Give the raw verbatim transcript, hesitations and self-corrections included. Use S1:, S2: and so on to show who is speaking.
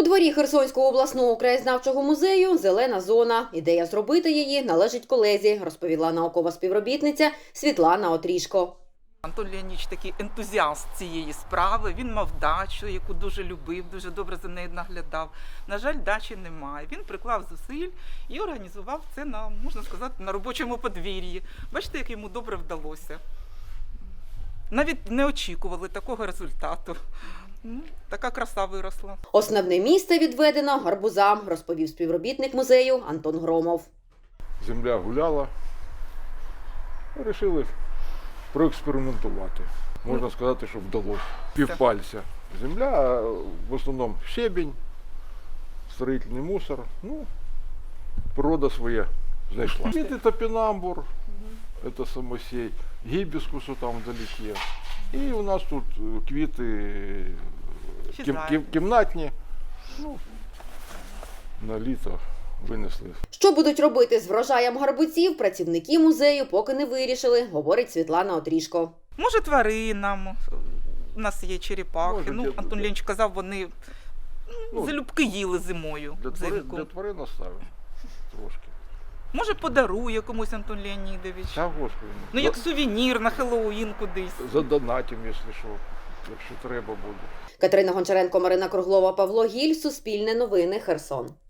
S1: У дворі Херсонського обласного краєзнавчого музею зелена зона. Ідея зробити її належить колезі, розповіла наукова співробітниця Світлана Отрішко.
S2: Антон Леонідович такий ентузіаст цієї справи, він мав дачу, яку дуже любив, дуже добре за нею наглядав. На жаль, дачі немає. Він приклав зусиль і організував це на, можна сказати, на робочому подвір'ї. Бачите, як йому добре вдалося. Навіть не очікували такого результату. Ну, така краса виросла.
S1: Основне місце відведено гарбузам, розповів співробітник музею Антон Громов.
S3: Земля гуляла, вирішили проекспериментувати. Можна сказати, що вдалося. Півпальця земля, а в основному щебінь, строїтельний мусор. Ну, природа своє знайшла. Квіти топінамбур, це самосій, гібіскусу там вдалеке. І у нас тут квіти кім, кім, кімнатні, ну, на літо винесли.
S1: Що будуть робити з врожаєм гарбузів, працівники музею поки не вирішили, говорить Світлана Отрішко.
S2: Може, тваринам, у нас є черепахи.
S3: Може,
S2: ну,
S3: для-
S2: Антон Леонідович казав, вони
S3: Ну,
S2: залюбки їли зимою.
S3: Для тварин,
S2: взимку.
S3: для тварин оставимо трошки.
S2: Може, подарує комусь Антон Леонідович.
S3: Та, Господи.
S2: Ну, як сувенір на Хеллоуін кудись.
S3: Задонатим, якщо що, якщо треба буде.
S1: Катерина Гончаренко, Марина Круглова, Павло Гіль, Суспільне новини, Херсон.